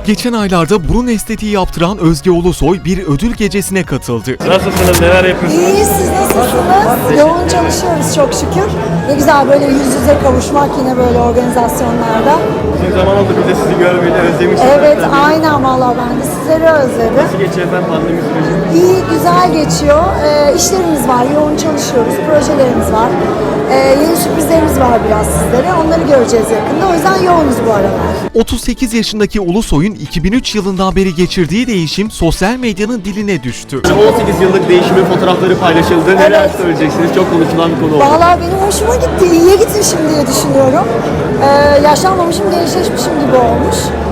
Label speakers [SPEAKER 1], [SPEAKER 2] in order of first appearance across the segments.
[SPEAKER 1] Geçen aylarda burun estetiği yaptıran Özge Ulusoy bir ödül gecesine katıldı.
[SPEAKER 2] Nasılsınız, neler yapıyorsunuz?
[SPEAKER 3] İyi, siz nasılsınız? Yoğun çalışıyoruz çok şükür. Ne güzel böyle yüz yüze kavuşmak yine böyle organizasyonlarda.
[SPEAKER 2] Uzun zaman oldu biz de sizi görmeyeli, özlemişiz.
[SPEAKER 3] Evet, aynen valla ben de sizleri özledim.
[SPEAKER 2] Nasıl geçiyor efendim pandemi süreci?
[SPEAKER 3] İyi, güzel geçiyor. İşlerimiz var, yoğun çalışıyoruz, projelerimiz var. Yeni sürprizlerimiz var biraz sizlere. Onları göreceğiz yakında. O yüzden yoğunuz bu aralar.
[SPEAKER 1] 38 yaşındaki Ulusoy'un 2003 yılından beri geçirdiği değişim sosyal medyanın diline düştü.
[SPEAKER 2] 18 yıllık değişimin fotoğrafları paylaşıldı. Neler
[SPEAKER 3] Evet.
[SPEAKER 2] söyleyeceksiniz? Çok konuşulan bir konu oldu.
[SPEAKER 3] Vallahi benim hoşuma gitti. İyiye gitmişim diye düşünüyorum. Yaşlanmamışım, gençleşmişim gibi olmuş.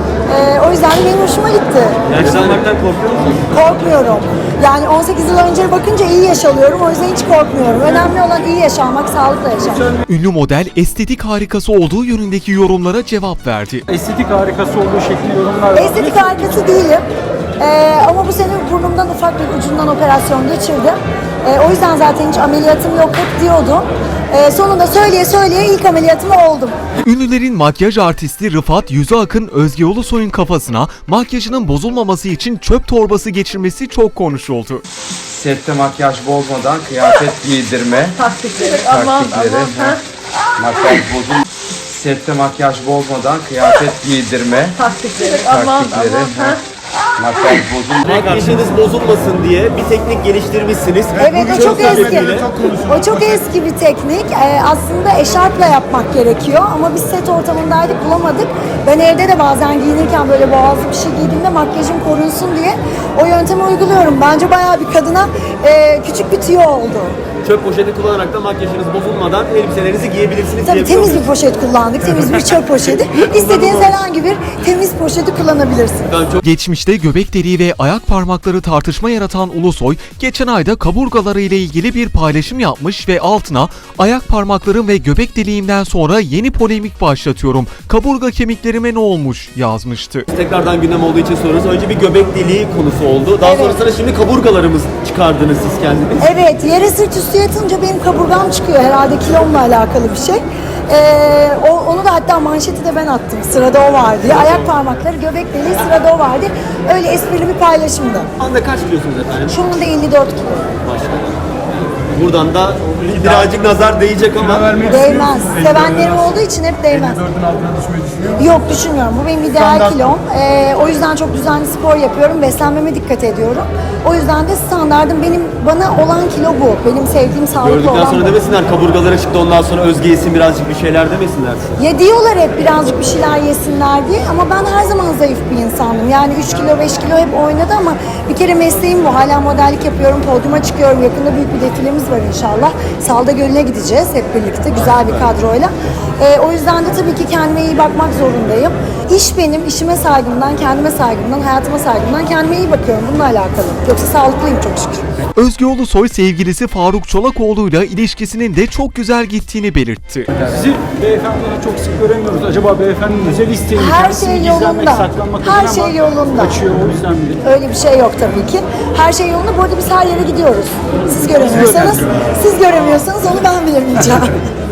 [SPEAKER 3] O yüzden de benim hoşuma gitti.
[SPEAKER 2] Yaşlanmaktan korkuyor musunuz?
[SPEAKER 3] Korkmuyorum. Yani 18 yıl önce bakınca iyi yaşalıyorum. O yüzden hiç korkmuyorum. Önemli olan iyi yaşamak, sağlıkla yaşamak.
[SPEAKER 1] Ünlü model estetik harikası olduğu yönündeki yorumlara cevap verdi.
[SPEAKER 4] Estetik harikası olduğu şekli yorumlar var.
[SPEAKER 3] Estetik harikası değilim. Ama bu sene burnumdan ufak bir ucundan operasyon geçirdim. O yüzden zaten hiç ameliyatım yok hep diyordum. Sonunda söyleye söyleye ilk ameliyatım oldum.
[SPEAKER 1] Ünlülerin makyaj artisti Rıfat Yüzüakın Özge Ulusoy'un kafasına makyajının bozulmaması için çöp torbası geçirmesi çok konuşuldu.
[SPEAKER 5] Sette makyaj bozmadan kıyafet giydirme
[SPEAKER 3] Taktikleri.
[SPEAKER 5] taktikleri. Makyaj bozul. Sette makyaj bozmadan kıyafet giydirme
[SPEAKER 3] Taktikleri.
[SPEAKER 5] taktikleri. Makyaj bozul.
[SPEAKER 2] Makyajınız bozulmasın diye bir teknik geliştirmişsiniz.
[SPEAKER 3] Evet, o çok eski.
[SPEAKER 2] sebebiyle-
[SPEAKER 3] O çok eski bir teknik. Aslında eşarpla yapmak gerekiyor ama biz set ortamındaydık, bulamadık. Ben evde de bazen giyinirken böyle boğazlı bir şey giydiğimde makyajım korunsun diye o yöntemi uyguluyorum. Bence bayağı bir kadına küçük bir tüyo oldu.
[SPEAKER 2] Çöp poşeti kullanarak da makyajınız bozulmadan elbiselerinizi giyebilirsiniz.
[SPEAKER 3] Tabii
[SPEAKER 2] diyebiliyor
[SPEAKER 3] temiz bir poşet kullandık, temiz bir çöp poşeti. İstediğiniz herhangi bir temiz poşeti kullanabilirsiniz.
[SPEAKER 2] Ben çok
[SPEAKER 1] Geçmişte göbek deliği ve ayak parmakları tartışma yaratan Ulusoy, geçen ayda kaburgaları ile ilgili bir paylaşım yapmış ve altına ayak parmaklarım ve göbek deliğimden sonra yeni polemik başlatıyorum. Kaburga kemiklerime ne olmuş yazmıştı.
[SPEAKER 2] tekrardan gündem olduğu için soruyoruz. Önce bir göbek deliği konusu oldu. Daha
[SPEAKER 3] Evet.
[SPEAKER 2] sonrasında şimdi kaburgalarımız çıkardınız siz kendiniz.
[SPEAKER 3] Evet, yere sırt üstü yatınca benim kaburgam çıkıyor herhalde kilomla alakalı bir şey. Onu da hatta manşeti de ben attım. Sırada o var diye. Ayak parmakları, göbek deliği sırada o var diye. Öyle esprili bir paylaşımdı.
[SPEAKER 2] Şu anda kaç kilosunuz efendim?
[SPEAKER 3] Şu anda 54 kilo.
[SPEAKER 2] Maşallah. Buradan da birazcık nazar değecek ama
[SPEAKER 3] Değmez. Sevenlerim olduğu için hep değmez. Yok, düşünmüyorum. Bu benim ideal kilom. O yüzden çok düzenli spor yapıyorum. Beslenmeme dikkat ediyorum. O yüzden de standardım bana olan kilo bu. Benim sevdiğim sağlıklı
[SPEAKER 2] gördükten
[SPEAKER 3] olan
[SPEAKER 2] sonra
[SPEAKER 3] bu.
[SPEAKER 2] demesinler kaburgaları çıktı ondan sonra Özge yesin birazcık bir şeyler demesinler size.
[SPEAKER 3] Ya diyorlar hep birazcık bir şeyler yesinler diye ama ben her zaman zayıf bir insanım. Yani 3 kilo 5 kilo hep oynadı ama bir kere mesleğim bu. Hala modellik yapıyorum, podyuma çıkıyorum. Yakında büyük bir defilemiz var inşallah. Salda Gölü'ne gideceğiz hep birlikte güzel bir kadroyla. O yüzden de tabii ki kendime iyi bakmak zorundayım. İş benim, işime saygımdan, kendime saygımdan, hayatıma saygımdan kendime iyi bakıyorum. Bununla alakalı. Yoksa sağlıklıyım çok şükür.
[SPEAKER 1] Özge Ulusoy sevgilisi Faruk Çolakoğlu'yla ilişkisinin de çok güzel gittiğini belirtti.
[SPEAKER 4] Sizi beyefendiyle çok sık göremiyoruz. Acaba beyefendinin özel isteği mi?
[SPEAKER 3] Her
[SPEAKER 4] Kendisini
[SPEAKER 3] şey
[SPEAKER 4] gizlenmek,
[SPEAKER 3] yolunda.
[SPEAKER 4] saklanmak
[SPEAKER 3] Her
[SPEAKER 4] adına
[SPEAKER 3] şey
[SPEAKER 4] ama
[SPEAKER 3] yolunda.
[SPEAKER 4] Kaçıyor o yüzden mi?
[SPEAKER 3] Öyle bir şey yok tabii ki. Her şey yolunda. Bu arada biz her yere gidiyoruz. Siz göremiyorsanız onu ben bilemeyeceğim.